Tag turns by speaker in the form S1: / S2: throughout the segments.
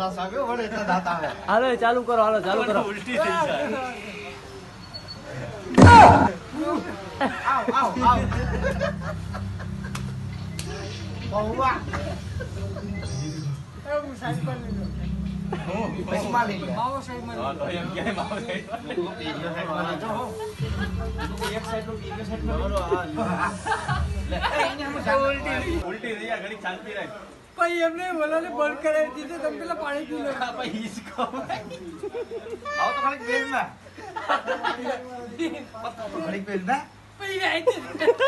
S1: રસ આવ્યો વળે એટલે દાંત આવે.
S2: હાલો ચાલુ કરો, હાલો ચાલુ કરો.
S3: ઉલટી થઈ જાય.
S1: આવ આવ આવ. બહુવા. બસમાં લઈ લે.
S3: હા, તો એમ ક્યાંય માવો થઈ જાય.
S1: બીજો સાઈડમાં લઈ જાઓ. એક સાઈડનું બીજો સાઈડમાં લઈ જાઓ. લે, અહીંયા હું જાઉં.
S3: ઉલટી થઈ જાય, ઘડીક શાંતિ રાખ.
S4: ભાઈ એમને બોલાને બંધ કરાવી દીધું, તમે પેલા પાણી પી લો.
S3: હા, ભાઈ, હિસકો.
S1: આવો તો ખાલી બેલમાં. ઘડીક બેલમાં.
S4: ભાઈ આઈ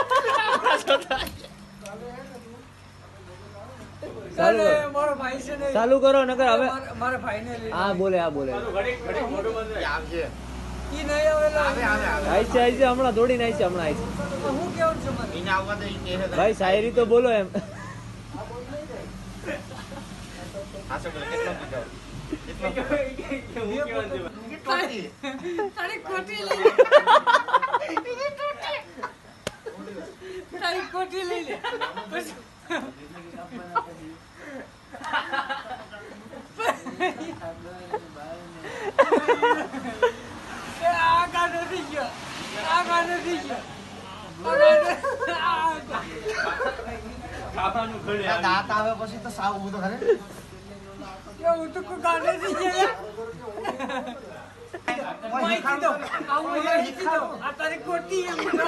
S2: ચાલુ કરો.
S4: મારો ભાઈ છે ને,
S2: ચાલુ કરો નકર હવે.
S4: મારા ભાઈને લઈ
S2: હા બોલે, હા બોલે.
S3: ઘડીક મોઢું બંધ રાખ.
S1: આવજે.
S4: ઈ નહીં આવેલા.
S1: આવે આવે આવે.
S2: આઈ છે હમણાં દોડીને આઈ છે, હમણાં આઈ છે.
S4: હું કેવું છું મને?
S1: એને આવવા દે ઈ કહે છે.
S2: ભાઈ શાયરી તો બોલો એમ.
S1: હાસો બોલે કેટલો કીધો.
S3: હું કહેવાનું છે?
S1: ટોટી.
S4: તારી કોટી લઈ લે. તારી કોટી લઈ લે. આ ગાડો થઈ ગયો. આ ગાડો થઈ ગયો.
S3: ખાવાનું ઘડે
S1: આ દાંત આવે પછી તો સાવ ઊભું તો ખરે.
S4: હું તો કોઈ ગાડો થઈ ગયો. માહિતી દો. આવું માહિતી દો. આ તારી કોટી એમ બોલો.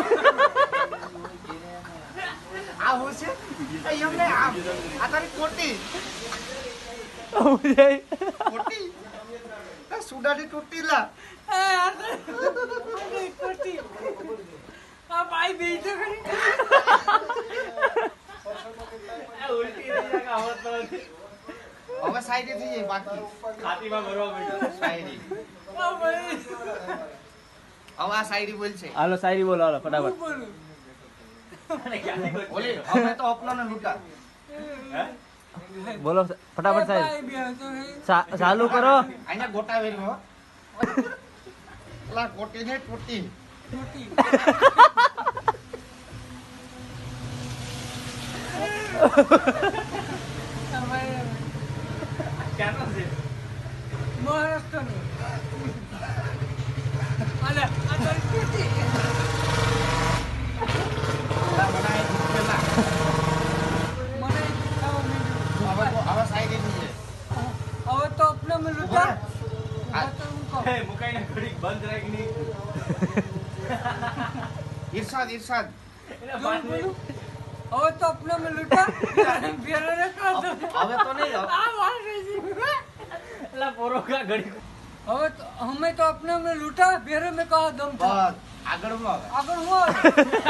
S1: આ હું છે એ એમને આ તારી કોટી કોટી આ સુડાની તૂટી લા.
S4: આ તારી કોટી. આ ભાઈ બેઠો ખરી.
S3: ઉલટી થઈ જાય કે આવત તો નથી.
S1: હવે સાઈડ થઈ જાય બાકી
S3: છાતીમાં ભરવા માંડ્યું.
S1: શાયરી.
S4: આ ભાઈ
S1: હવે આ શાયરી બોલશે.
S2: હાલો શાયરી બોલો, હાલો
S4: હું
S2: ફટાફટ.
S4: બોલું.
S3: અને ક્યાંથી કોઈ
S1: ઓલી હવે તો અપનાને લૂંટા.
S3: હે?
S2: બોલો ફટાફટ સાહેબ.
S4: ભાઈ બેઠો ખરી.
S2: ચાલુ કરો.
S1: અહીંયા ગોટા વેરી હો. લા કોટી ને તૂટી.
S4: કોટી. આ ભાઈ
S3: ક્યાંનો છે?
S4: મહારાષ્ટ્રનું. અલે આ તારી કોટી.
S1: લા બનાય દીધેલા.
S4: મને ખાવા માંડ્યું.
S1: હવે શાયરી થઈ જાય.
S4: હવે તો આપણે મેં લૂંટા.
S1: આ-
S4: હવે તો હું કહું.
S3: હે, મુકાઈને ઘડીક બંધ રાખ ની.
S1: ઈરશાદ ઈરશાદ.
S3: એને
S4: જો
S3: બાંધ
S4: બોલું. હવે તો આપણે મેં લૂંટા. ફેરો ને કહો તો.
S1: હવે તો નહીં
S4: આ વાત છે.
S3: એલા પોરો કા ઘડીક.
S4: હવે તો અમે તો આપણે મેં લૂંટા. ફેરો મેં કહો દમ
S1: બસ
S4: થા.
S1: આગળ હું આવે.
S4: આગળ હું આવે?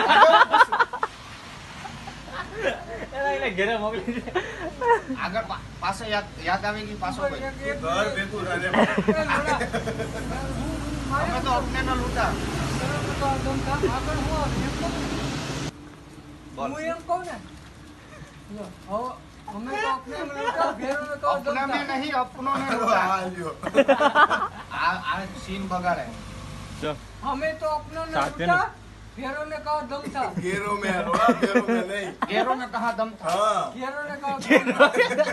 S3: એલા એને ઘરે મોકલી દે.
S1: આગળ પાછો યાદ આવી ગઈ પાછો
S4: એક-
S1: ભાઈ.
S4: એક-
S5: ઘર ભેગું રહે.
S4: એ લોડા.
S1: અમે તો અપને નો લૂંટા.
S4: ફેરો મેં કહો દમ થા. આગળ હું આવે? એમ કહું ને.
S1: બોલ.
S4: હું એમ કહું ને. જો, હવે અમે તો આપણે મેં લૂંટા. ફેરો મેં કહો દમ
S1: અપના
S4: થા.
S1: में नहीं अपनों ने लूटा.
S5: આ લ્યો.
S1: આ સીન બગાડે.
S4: અમે તો આપણે ને
S3: સાથે
S4: લૂંટા. ફેરો ને કહો દમ થા.
S5: ઘેરો મેં રોડા, ઘેરો મેં નહીં.
S1: ગેરો ने कहा दम था.
S5: હા.
S4: ફેરો ને કહો દમ થા.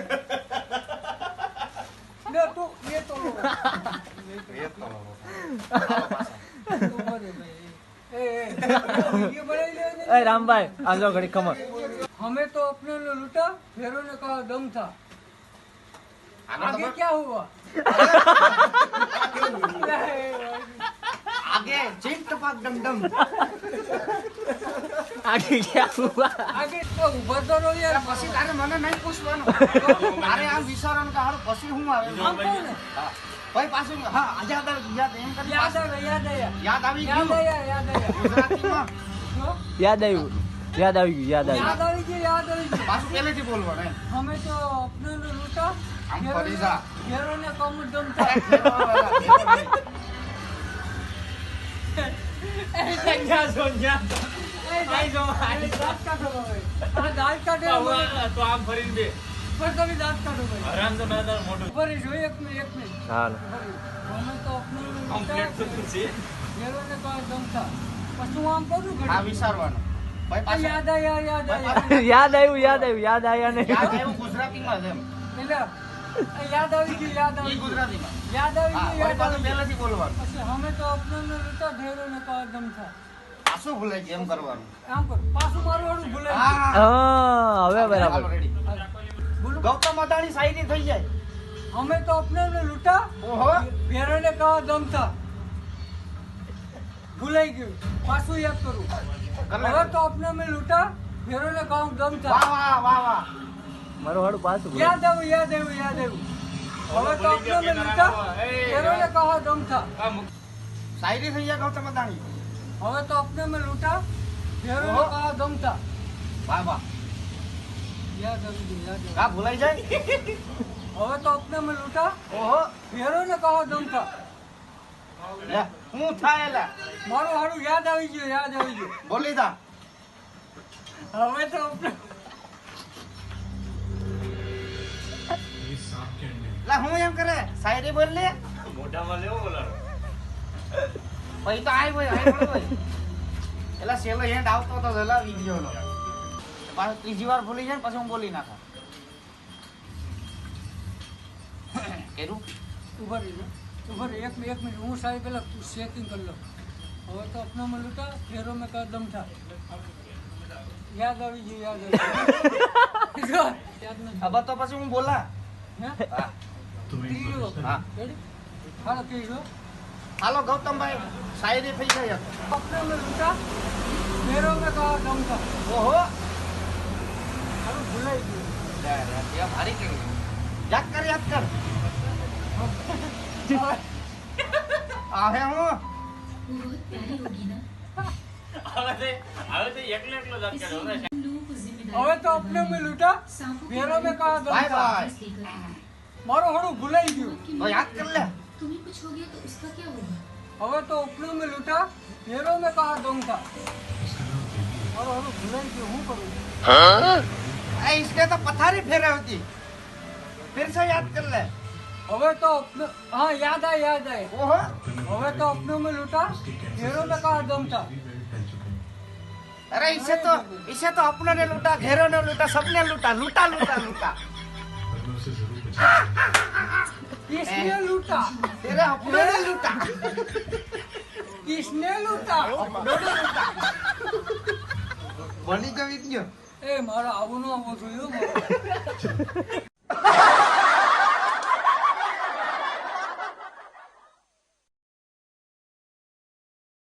S4: લે તું એ તો લો.
S1: ये तो आओ पाछा.
S4: તું બોલે ભાઈ. એ વિડિયો બનાવી લે ને.
S2: એ રામભાઈ આ જો ઘડી ખમર.
S4: हमें तो अपने ने लूटा. फेरों ने कहा दम था.
S1: आगे
S4: आगे
S1: खबर?
S4: क्या हुआ?
S1: आगे चीन टपाक डम डम.
S2: આગે ક્યાં હુઆ?
S4: आगे तो उभर तो रहो यार.
S1: પછી તારે મને નહીં પૂછવાનું. તારે આમ વિચારવાનું કે હારું પછી હું આવે.
S4: આમ કહું ને.
S1: હા. ભાઈ પાછું હા યાદ એમ કરી
S4: याद
S1: પાછું
S4: आया, याद आया.
S1: યાદ આવી
S4: याद
S1: ગયું.
S4: आया, याद आया.
S1: ગુજરાતીમાં
S4: શું?
S2: યાદ આવ્યું, યાદ આવી ગયું, યાદ
S4: याद
S2: આવ્યું.
S4: આવી ગયું, याद આવી ગયું.
S1: પાછું પહેલેથી બોલવાનું એમ.
S4: हमें तो अपने ने लूटा.
S1: આમ
S4: फेरों
S1: ફરી
S4: ने-
S1: જા.
S4: फेरों ने कम दम था.
S3: ક્યાં છો ન્યા?
S4: ए,
S3: આઈ જો,
S4: ए, दांत काटो भाई. हाँ, दांत काटे.
S3: તો આમ ફરીને બે.
S4: पर कभी दांत काटो भाई.
S3: હરામ તો ના તાર મોઢું.
S4: ऊपर ही जो एक मिनट.
S2: હાલો.
S4: हमें तो अपने ने
S3: આમ
S4: लूटा.
S3: પ્લેટ તો છે.
S4: फेरों ने कहा दम था. પછી હું આમ કરું
S1: આ
S4: ઘડી.
S1: વિચારવાનું. ભાઈ પાછું
S4: યાદ આયા, યાદ આયા.
S2: યાદ આવ્યું, યાદ આવ્યું, યાદ આવ્યા ને.
S1: યાદ આવ્યું ગુજરાતીમાં જ એમ.
S4: એટલે યાદ આવી ગયું યાદ આવી
S1: ઈ
S4: ગયું
S1: ગુજરાતીમાં
S4: યાદ આવી
S1: હા
S4: ગયું
S1: વળી
S4: યાદ
S1: પાછું
S4: આવી ગયું
S1: પહેલેથી બોલવાનું
S4: પછી અમે તો અપને લૂંટા ઢેરો ને કહો દમ થા
S1: આ શું ભૂલાઈ ગયું એમ કરવાનું
S4: આમ કર પાછું મારું વાળું ભૂલાઈ
S1: હા
S2: હા હવે
S1: હાલો
S2: બરાબર
S1: રેડી
S4: ગયું. બોલો
S1: ગૌતમ અદાણી શાયરી થઈ જાય
S4: અમે તો અપને લૂંટા
S1: ઓહો
S4: ઢેરો ને કહો દમ થા ભૂલાઈ ગયું પાછું યાદ કરું હવે તો અપને મેં લૂંટા ઢેરો ને કહો દમ થા
S1: વાહ વાહ વાહ વાહ
S2: મારું હાડું પાછું બોલો.
S4: યાદ આવ્યું યાદ આવ્યું યાદ આવ્યું હવે તો અપને મેં લૂંટા ઢેરો ને કહો દમ થા
S1: શાયરી થઈ જાય ગૌતમ અદાણી
S4: હવે તો અપને મેં લૂંટા ઢેરો ને કહો દમ થા
S1: વાહ વાહ
S4: યાદ આવી ગયું યાદ
S1: કા ભૂલાઈ જાય
S4: આવ્યું હવે તો અપને મેં લૂંટા
S1: ઓહો
S4: ઢેરો ને કહો દમ થા
S1: લે હું થાય એલા
S4: મારું હાડું યાદ આવી ગયું
S1: બોલી તા
S4: હવે તો આપણે
S1: લા હું એમ કરે શાયરી બોલ લે
S3: મોઢામાં લેવો બોલાવો
S1: પછી તો આય હોય એલા સેલો હેન્ડ આવતો તો જલા વિડિયો નો પાછો ત્રીજી વાર ભૂલી જાય ને પછી હું બોલી નાખા કેરું
S4: ઉભા રહી એક મિનિટ હું સાહેબ પેલા ચેકિંગ કરી લઉં હવે તો અપનામાં લૂંટા ફેરો મેં કદમ થા યાદ આવી ગયું યાદ નથી
S1: હવે તો પછી હું બોલા
S4: હે
S1: હા
S4: ત્રીજો
S1: હા
S4: રેડી હાલો ત્રીજો
S1: હાલો ગૌતમભાઈ શાયરી થઈ ગઈ હવે.
S4: અપનામાં લૂંટા ફેરો મેં કદમ થા
S1: ઓહો
S4: હાલો ભૂલાઈ ગયું
S1: એ ભારી કરી યાદ કર આવે હું
S3: હવે તો એકલો એકલો જ કરે
S4: હવે તો અપને મેં લૂંટા ફેરો મેં કદમ
S1: બાય
S4: થા
S1: બાય
S4: મારું હાડું ભૂલાઈ ગયું
S1: તો યાદ કર લે
S6: तुम्हें कुछ हो गया तो उसका क्या होगा
S4: હવે તો ઉપલું મેં લૂંટા ફેરો મેં કહા દમ થા મારું હાડું ભૂલાઈ ગયું હું કરું
S1: इसने तो पथारी फेरा होती फिर से याद कर ले
S4: હવે તો हाँ याद आए
S1: ओहो
S4: હવે તો अपनों में लूटा घेरों में कहा दम था
S1: अरे इसे तो अपनों ने लूटा घेरों ने लूटा सबने लूटा लूटा लूटा लूटा
S4: किसने लूटा
S1: तेरे अपनों ने लूटा
S4: किसने लूटा
S1: अपनों ने लूटा बनी जो वीडियो
S4: ए मारा आવું ન આવવું જોઈએ મારે